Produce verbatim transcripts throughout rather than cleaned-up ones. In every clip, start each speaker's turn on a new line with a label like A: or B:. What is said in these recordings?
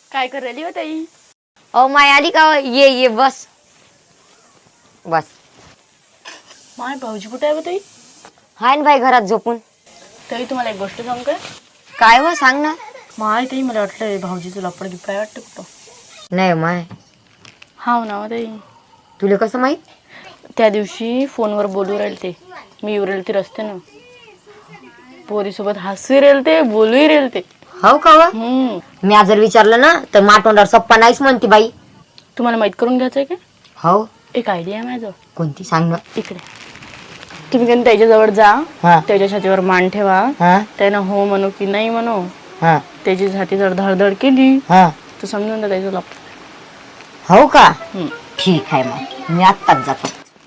A: काय करायली हो ताई?
B: अहो माय आली का? ये ये बस बस.
A: माय भाऊजी कुठे आहे हो ताई?
B: हाय ना बाई घरात झोपून.
A: ताई तुम्हाला एक गोष्ट सांगू काय?
B: काय हो सांग ना.
A: माय ताई मला वाटलं भाऊजीचं लपड गिफ्ट काय वाटतं कुठं.
B: नाही माय.
A: हाव ना ताई.
B: तुला कसं माहित?
A: त्या दिवशी फोनवर बोलू राहील ते, मी येऊ राहील ते रस्त्यानं, पोरीसोबत हसू राहील ते, बोलूही राहील ते.
B: हो का?
A: हम्म.
B: मी जर विचारलं ना तर माटोंडावर सप्पा नाहीच म्हणते बाई.
A: तुम्हाला माहित करून घ्यायचंय का?
B: हो.
A: एक आयडिया आहे माझं.
B: कोणती सांग ना.
A: इकडे तुम्ही कधी त्याच्याजवळ जा, त्याच्या छातीवर मान ठेवा, त्यानं हो म्हणू की नाही म्हणू, त्याची छाती जर धडधड केली तर समजून द्या त्याचं लपड.
B: हो का? ठीक आहे मग मी आत्ताच जातो.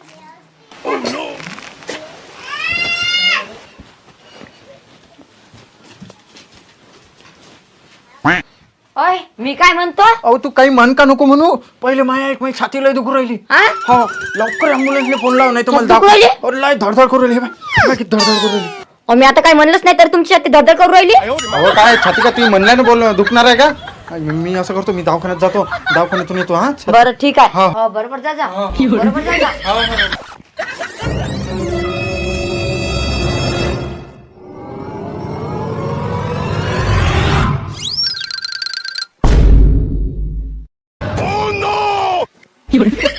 B: ओय मी काय म्हणतो?
C: अहो तू काही म्हण का नको म्हणू. पहिले माया एक माझी छाती लय दुखू राहिली. हो लवकर ॲम्ब्युलन्सला फोन लाव, नाही तर मला दाखव. अरे लय धडधड करू राहिली बाई, किती धडधड करू राहिली.
B: अहो मी आता काय म्हणलंच नाही तर तुमची छाती धडधड करू राहिली.
C: अहो काय छाती का तुम्ही म्हणल्याने बोल दुखणार आहे का? मी असं करतो, मी दवाखान्यात जातो, दवाखान्यातून येतो. हा
B: बरं ठीक आहे. हो बरोबर जा जा. बरोबर जा जा.
D: Oh no!